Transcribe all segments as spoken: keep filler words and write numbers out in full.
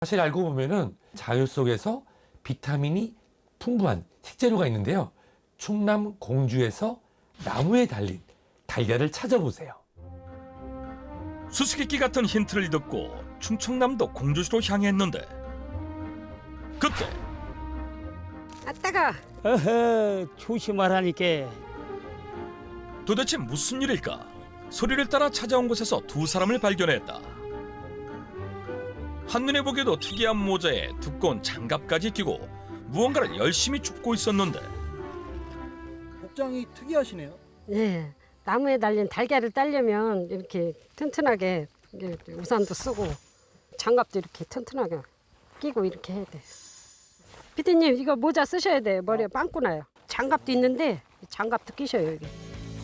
사실 알고 보면은 자연 속에서 비타민이 풍부한 식재료가 있는데요. 충남 공주에서 나무에 달린 달걀을 찾아보세요. 수수께끼 같은 힌트를 듣고 충청남도 공주시로 향했는데 그때 아따가 어허, 조심하라니까. 도대체 무슨 일일까? 소리를 따라 찾아온 곳에서 두 사람을 발견했다. 한눈에 보기에도 특이한 모자에 두꺼운 장갑까지 끼고 무언가를 열심히 줍고 있었는데 복장이 특이하시네요. 예 나무에 달린 달걀을 따려면 이렇게 튼튼하게 이렇게 우산도 쓰고 장갑도 이렇게 튼튼하게 끼고 이렇게 해야 돼요. 피디님 이거 모자 쓰셔야 돼요. 머리에 빵꾸 나요. 장갑도 있는데 장갑도 끼셔요 여기.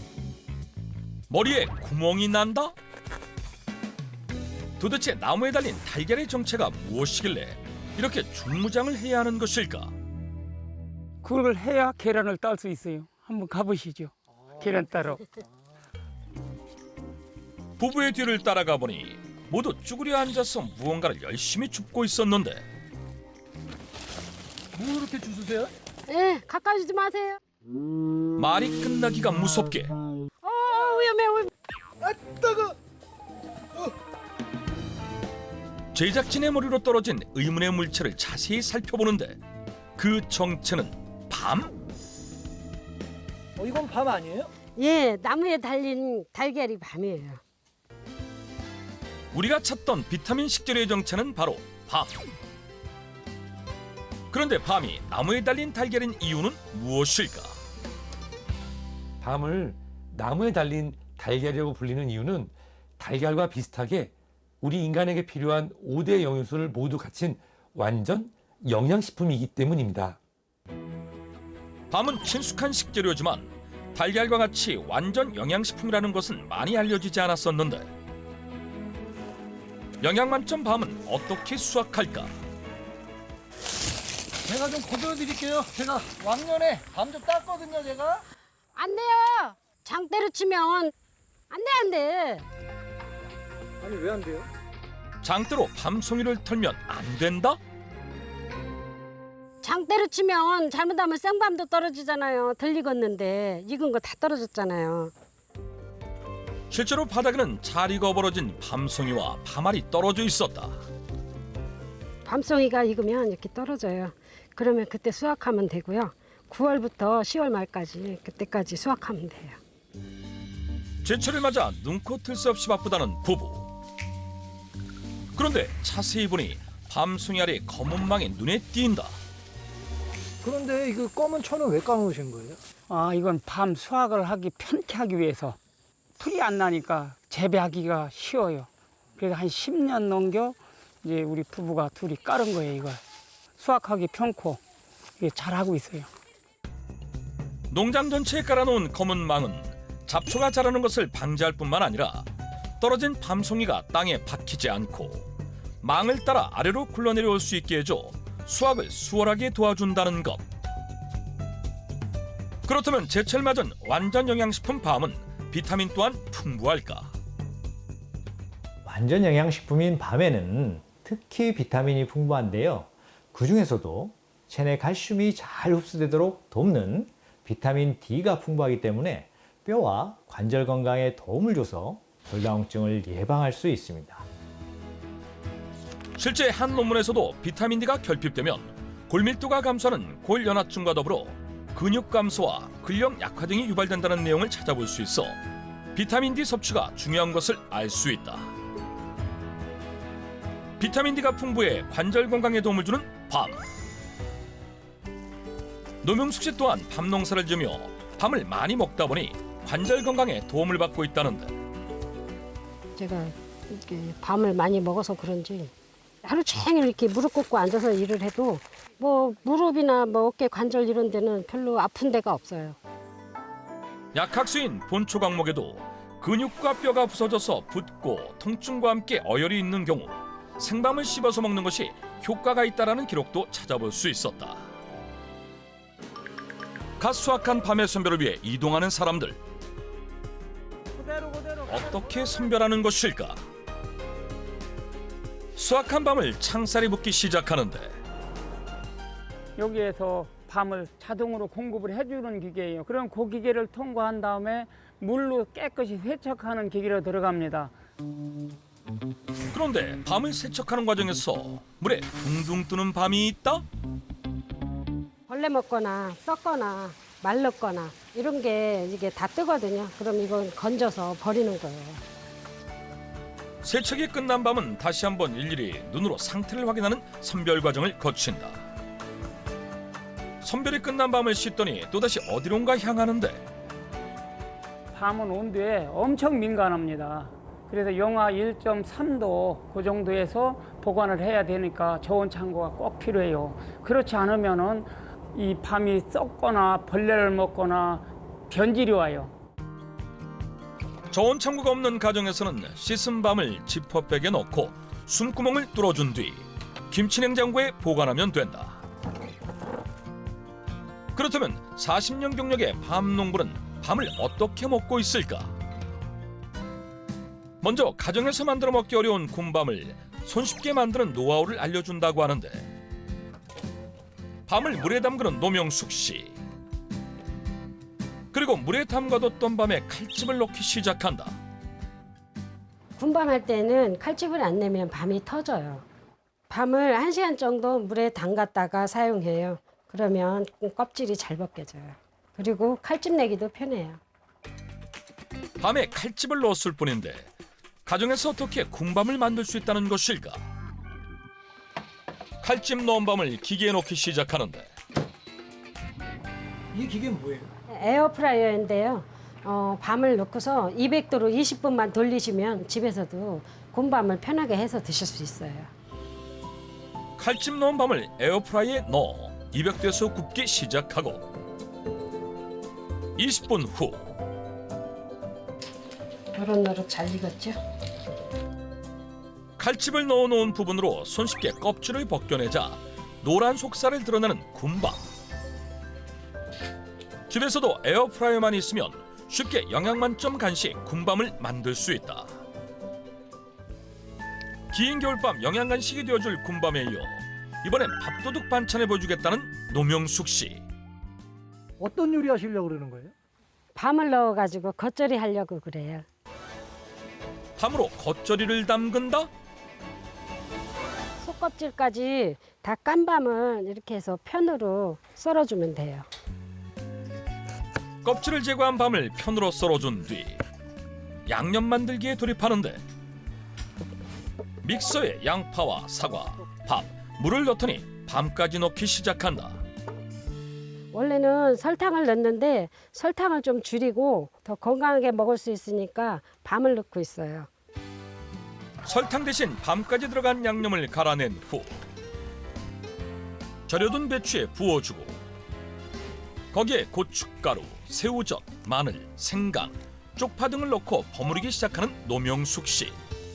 머리에 구멍이 난다? 도대체 나무에 달린 달걀의 정체가 무엇이길래 이렇게 중무장을 해야 하는 것일까? 그걸 해야 계란을 딸 수 있어요. 한번 가보시죠. 계란 따러. 부부의 뒤를 따라가 보니 모두 쭈그려 앉아서 무언가를 열심히 줍고 있었는데 뭐 이렇게 주스세요? 예 가까이 오지 마세요. 말이 끝나기가 무섭게 어 위험해 위험해. 아 따가. 제작진의 머리로 떨어진 의문의 물체를 자세히 살펴보는데 그 정체는 밤? 어 이건 밤 아니에요? 예 나무에 달린 달걀이 밤이에요. 우리가 찾던 비타민 식재료의 정체는 바로 밤. 그런데 밤이 나무에 달린 달걀인 이유는 무엇일까? 밤을 나무에 달린 달걀이라고 불리는 이유는 달걀과 비슷하게 우리 인간에게 필요한 오 대 영양소를 모두 갖춘 완전 영양식품이기 때문입니다. 밤은 친숙한 식재료지만 달걀과 같이 완전 영양식품이라는 것은 많이 알려지지 않았었는데 영양 만점 밤은 어떻게 수확할까? 제가 좀 거둬드릴게요. 제가 왕년에 밤 좀 땄거든요, 제가. 안 돼요. 장 때려치면 안 돼 안 돼. 아니 왜 안 돼요? 장대로 밤송이를 털면 안 된다? 장 때려치면 잘못하면 생밤도 떨어지잖아요. 덜 익었는데 익은 거 다 떨어졌잖아요. 실제로 바닥에는 잘 익어버려진 밤송이와 밤알이 떨어져 있었다. 밤송이가 익으면 이렇게 떨어져요. 그러면 그때 수확하면 되고요. 구월부터 시월 말까지 그때까지 수확하면 돼요. 제철을 맞아 눈코 뜰 새 없이 바쁘다는 부부. 그런데 자세히 보니 밤송이 알이 검은 망이 눈에 띈다. 그런데 이거 검은 천은 왜 까놓으신 거예요? 아, 이건 밤 수확을 하기 편케 하기 위해서 풀이 안 나니까 재배하기가 쉬워요. 그래서 한 십 년 넘겨 이제 우리 부부가 둘이 깔은 거예요, 이걸. 수확하기 편코 이게 잘하고 있어요. 농장 전체에 깔아놓은 검은 망은 잡초가 자라는 것을 방지할 뿐만 아니라 떨어진 밤송이가 땅에 박히지 않고 망을 따라 아래로 굴러내려올 수 있게 해줘 수확을 수월하게 도와준다는 것. 그렇다면 제철 맞은 완전 영양식품 밤은 비타민 또한 풍부할까? 완전 영양식품인 밤에는 특히 비타민이 풍부한데요. 그중에서도 체내 칼슘이 잘 흡수되도록 돕는 비타민 D가 풍부하기 때문에 뼈와 관절 건강에 도움을 줘서 골다공증을 예방할 수 있습니다. 실제 한 논문에서도 비타민 D가 결핍되면 골밀도가 감소하는 골연화증과 더불어 근육 감소와 근력 약화 등이 유발된다는 내용을 찾아볼 수 있어 비타민 D 섭취가 중요한 것을 알 수 있다. 비타민 D가 풍부해 관절 건강에 도움을 주는 밤. 노명숙 씨 또한 밤 농사를 지으며 밤을 많이 먹다 보니 관절 건강에 도움을 받고 있다는데 제가 이렇게 밤을 많이 먹어서 그런지 하루 종일 이렇게 무릎 꿇고 앉아서 일을 해도 뭐 무릎이나 뭐 어깨 관절 이런 데는 별로 아픈 데가 없어요. 약학수인 본초 강목에도 근육과 뼈가 부서져서 붓고 통증과 함께 어혈이 있는 경우 생밤을 씹어서 먹는 것이 효과가 있다는 기록도 찾아볼 수 있었다. 갓 수확한 밤의 선별을 위해 이동하는 사람들. 어떻게 선별하는 것일까? 수확한 밤을 창살이 붓기 시작하는데 여기에서 밤을 자동으로 공급을 해주는 기계예요. 그럼 그 기계를 통과한 다음에 물로 깨끗이 세척하는 기계로 들어갑니다. 그런데 밤을 세척하는 과정에서 물에 둥둥 뜨는 밤이 있다? 벌레 먹거나 썩거나 말랐거나 이런 게 이게 다 뜨거든요. 그럼 이건 건져서 버리는 거예요. 세척이 끝난 밤은 다시 한번 일일이 눈으로 상태를 확인하는 선별 과정을 거친다. 선별이 끝난 밤을 씻더니 또다시 어디론가 향하는데 밤은 온도에 엄청 민감합니다. 그래서 영하 일 점 삼 도 그 정도에서 보관을 해야 되니까 저온 창고가 꼭 필요해요. 그렇지 않으면은 이 밤이 썩거나 벌레를 먹거나 변질이 와요. 저온 창고가 없는 가정에서는 씻은 밤을 지퍼백에 넣고 숨구멍을 뚫어준 뒤 김치 냉장고에 보관하면 된다. 그렇다면 사십 년 경력의 밤 농부는 밤을 어떻게 먹고 있을까? 먼저 가정에서 만들어 먹기 어려운 곰밤을 손쉽게 만드는 노하우를 알려준다고 하는데 밤을 물에 담그는 노명숙 씨. 그리고 물에 담가뒀던 밤에 칼집을 넣기 시작한다. 군밤할 때는 칼집을 안 내면 밤이 터져요. 밤을 한 시간 정도 물에 담갔다가 사용해요. 그러면 껍질이 잘 벗겨져요. 그리고 칼집 내기도 편해요. 밤에 칼집을 넣었을 뿐인데 가정에서 어떻게 곰밤을 만들 수 있다는 것일까? 칼집 넣은 밤을 기계에 넣기 시작하는데 이 기계는 뭐예요? 에어프라이어인데요. 어, 밤을 넣고서 이백 도로 이십 분만 돌리시면 집에서도 곰밤을 편하게 해서 드실 수 있어요. 칼집 넣은 밤을 에어프라이에 넣어 이백 도에서 굽기 시작하고 이십 분 후 노릇노릇 잘 익었죠? 칼집을 넣어놓은 부분으로 손쉽게 껍질을 벗겨내자 노란 속살을 드러내는 곰밤. 집에서도 에어프라이어만 있으면 쉽게 영양만점 간식 곰밤을 만들 수 있다. 긴 겨울밤 영양간식이 되어줄 곰밤에 이어 이번엔 밥도둑 반찬을 보여주겠다는 노명숙 씨. 어떤 요리 하시려고 그러는 거예요? 밤을 넣어가지고 겉절이 하려고 그래요. 밤으로 겉절이를 담근다? 속껍질까지 다 깐 밤을 이렇게 해서 편으로 썰어주면 돼요. 껍질을 제거한 밤을 편으로 썰어준 뒤 양념 만들기에 돌입하는데 믹서에 양파와 사과, 밥, 물을 넣더니 밤까지 넣기 시작한다. 원래는 설탕을 넣는데 설탕을 좀 줄이고 더 건강하게 먹을 수 있으니까 밤을 넣고 있어요. 설탕 대신 밤까지 들어간 양념을 갈아낸 후 절여둔 배추에 부어주고 거기에 고춧가루, 새우젓, 마늘, 생강, 쪽파 등을 넣고 버무리기 시작하는 노명숙 씨.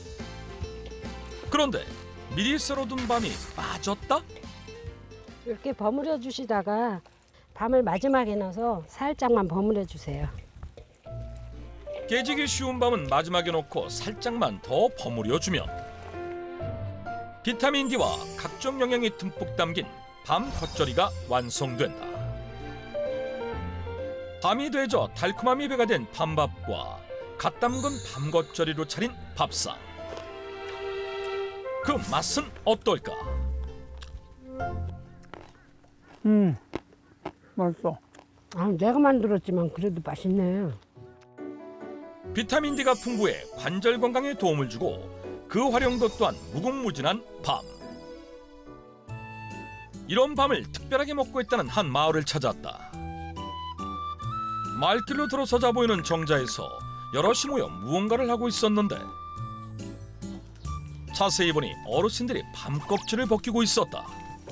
그런데 미리 썰어둔 밤이 빠졌다? 이렇게 버무려 주시다가 밤을 마지막에 넣어서 살짝만 버무려 주세요. 깨지기 쉬운 밤은 마지막에 넣고 살짝만 더 버무려주면 비타민 D와 각종 영양이 듬뿍 담긴 밤 겉절이가 완성된다. 밤이 되져 달콤함이 배가 된 밤밥과 갓 담근 밤 겉절이로 차린 밥상. 그 맛은 어떨까? 음, 맛있어. 아, 내가 만들었지만 그래도 맛있네. 비타민 D가 풍부해 관절 건강에 도움을 주고 그 활용도 또한 무궁무진한 밤. 이런 밤을 특별하게 먹고 있다는 한 마을을 찾았다. 마을길로 들어서자 보이는 정자에서 여럿이 모여 무언가를 하고 있었는데 자세히 보니 어르신들이 밤 껍질을 벗기고 있었다.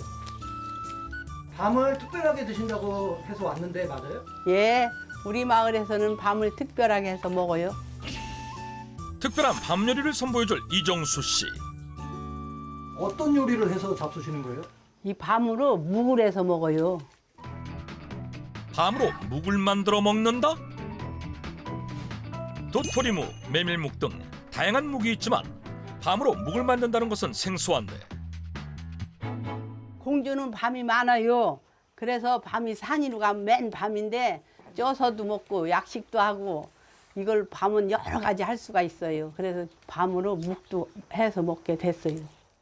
밤을 특별하게 드신다고 해서 왔는데 맞아요? 예, 우리 마을에서는 밤을 특별하게 해서 먹어요. 특별한 밤 요리를 선보여줄 이정수 씨. 어떤 요리를 해서 잡수시는 거예요? 이 밤으로 묵을 해서 먹어요. 밤으로 묵을 만들어 먹는다? 도토리묵, 메밀묵 등 다양한 묵이 있지만 밤으로 묵을 만든다는 것은 생소한데 공주는 밤이 많아요. 그래서 밤이 산이로 가면 맨 밤인데 쪄서도 먹고 약식도 하고 이걸 밤은 여러 가지 할 수가 있어요. 그래서 밤으로 묵도 해서 먹게 됐어요.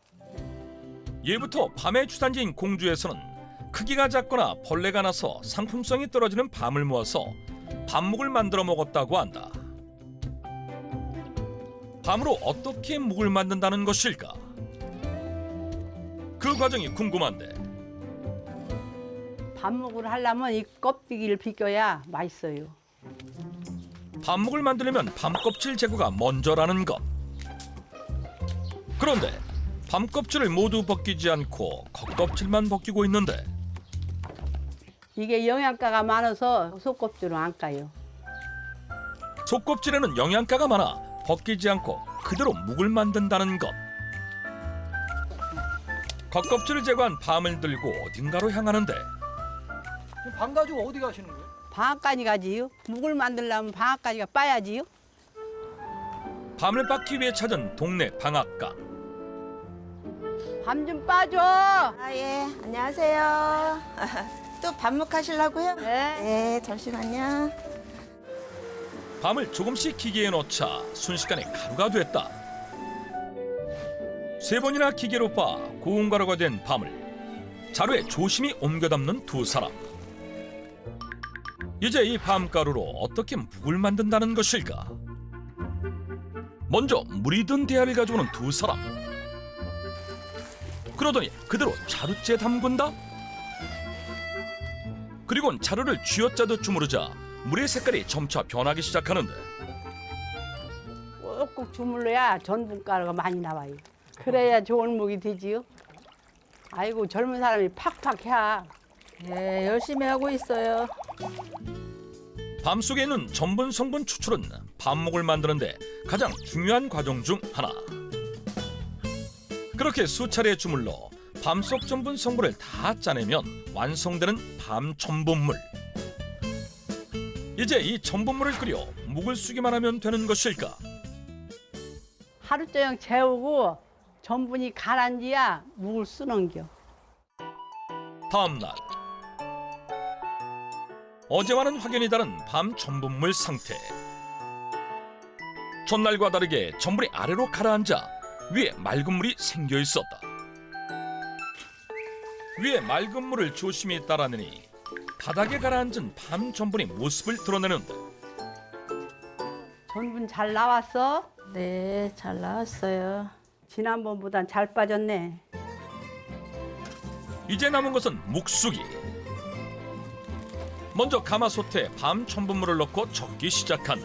예부터 밤의 주산지인 공주에서는 크기가 작거나 벌레가 나서 상품성이 떨어지는 밤을 모아서 밤묵을 만들어 먹었다고 한다. 밤으로 어떻게 묵을 만든다는 것일까? 그 과정이 궁금한데 밤묵을 하려면 이 껍데기를 벗겨야 맛있어요. 밤묵을 만들려면 밤껍질 제거가 먼저라는 것. 그런데 밤껍질을 모두 벗기지 않고 겉껍질만 벗기고 있는데 이게 영양가가 많아서 속껍질은 안 까요. 속껍질에는 영양가가 많아 벗기지 않고 그대로 묵을 만든다는 것. 겉껍질을 제거한 밤을 들고 어딘가로 향하는데 지금 밤 가지고 어디 가시는 거예요? 방앗간이 가지요. 묵을 만들려면 방앗간이가 빠야지요. 밤을 빻기 위해 찾은 동네 방앗간. 밤 좀 빠줘. 아, 예. 안녕하세요. 또 밥묵 하시려고요? 네. 네, 잠시만요. 밤을 조금씩 기계에 넣자 순식간에 가루가 됐다. 세 번이나 기계로 빻아 고운 가루가 된 밤을 자루에 조심히 옮겨 담는 두 사람. 이제 이 밤가루로 어떻게 묵을 만든다는 것일까? 먼저 물이 든 대야를 가져오는 두 사람. 그러더니 그대로 자루째에 담근다? 그리고는 자루를 쥐어짜듯 주무르자 물의 색깔이 점차 변하기 시작하는데 꼭꼭 주물러야 전분가루가 많이 나와요. 그래야 좋은 묵이 되지요. 아이고 젊은 사람이 팍팍 해. 네, 열심히 하고 있어요. 밤 속에 있는 전분 성분 추출은 밤묵을 만드는데 가장 중요한 과정 중 하나. 그렇게 수차례 주물러 밤속 전분 성분을 다 짜내면 완성되는 밤 전분물. 이제 이 전분물을 끓여 묵을 쓰기만 하면 되는 것일까? 하루 종일 재우고 전분이 가라앉아야 묵을 쓰는겨. 다음 날 어제와는 확연히 다른 밤 전분물 상태. 전날과 다르게 전분이 아래로 가라앉아 위에 맑은 물이 생겨 있었다. 위에 맑은 물을 조심히 따라내니 바닥에 가라앉은 밤 전분이 모습을 드러내는데 전분 잘 나왔어? 네, 잘 나왔어요. 지난번보단 잘 빠졌네. 이제 남은 것은 묵수기. 먼저 가마솥에 밤 전분물을 넣고 젓기 시작한다.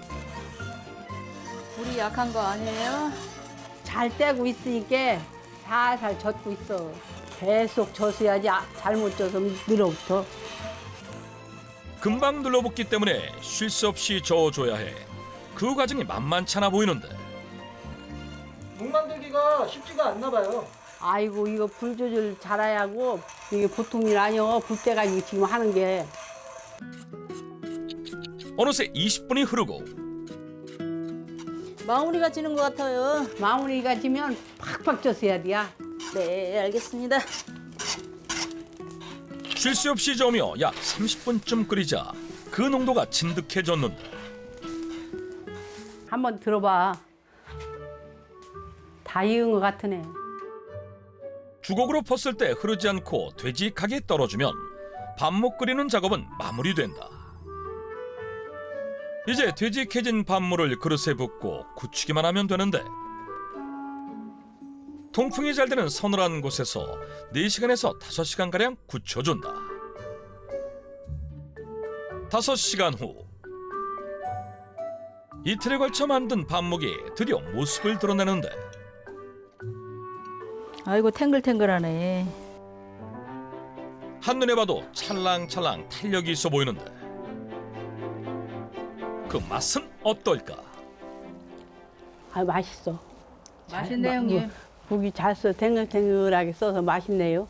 불이 약한 거 아니에요? 잘 떼고 있으니까 살살 젓고 있어. 계속 젓어야지 아, 잘못 져서 늘어붙어. 금방 눌러붙기 때문에 쉴 새 없이 저어줘야 해. 그 과정이 만만찮아 보이는데 묵 만들기가 쉽지가 않나 봐요. 아이고 이거 불 조절 잘해야 하고 이게 보통 일 아니여. 불 떼가지고 지금 하는 게. 어느새 이십 분이 흐르고 마무리가 지는 것 같아요. 마무리가 지면 팍팍 젓어야 돼. 네, 알겠습니다. 쉴 새 없이 저으며 약 삼십 분쯤 끓이자 그 농도가 진득해졌는데 한번 들어봐. 다 익은 것 같으네. 주걱으로 펐을 때 흐르지 않고 되직하게 떨어주면 밤묵 끓이는 작업은 마무리된다. 이제 되직해진 밤물을 그릇에 붓고 굳히기만 하면 되는데 통풍이 잘 되는 서늘한 곳에서 네 시간에서 다섯 시간가량 굳혀준다. 다섯 시간 후 이틀에 걸쳐 만든 밤묵이 드디어 모습을 드러내는데 아이고, 탱글탱글하네. 한눈에 봐도 찰랑찰랑 탄력이 있어 보이는데 그 맛은 어떨까? 아 맛있어. 맛있네, 잘, 형님. 국이 잘 써, 탱글탱글하게 써서 맛있네요.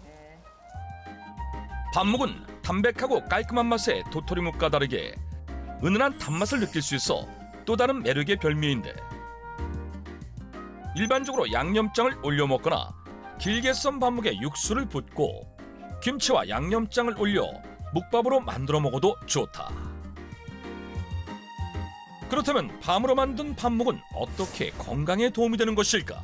밤묵은 담백하고 깔끔한 맛의 도토리묵과 다르게 은은한 단맛을 느낄 수 있어 또 다른 매력의 별미인데 일반적으로 양념장을 올려 먹거나 길게 썬 밥묵에 육수를 붓고 김치와 양념장을 올려 묵밥으로 만들어 먹어도 좋다. 그렇다면 밤으로 만든 밥묵은 어떻게 건강에 도움이 되는 것일까?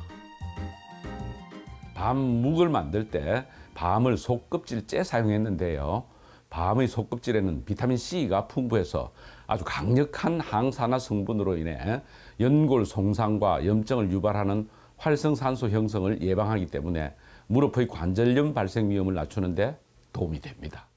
밤묵을 만들 때 밤을 속껍질째 사용했는데요. 밤의 속껍질에는 비타민 C가 풍부해서 아주 강력한 항산화 성분으로 인해 연골 손상과 염증을 유발하는 활성산소 형성을 예방하기 때문에 무릎의 관절염 발생 위험을 낮추는 데 도움이 됩니다.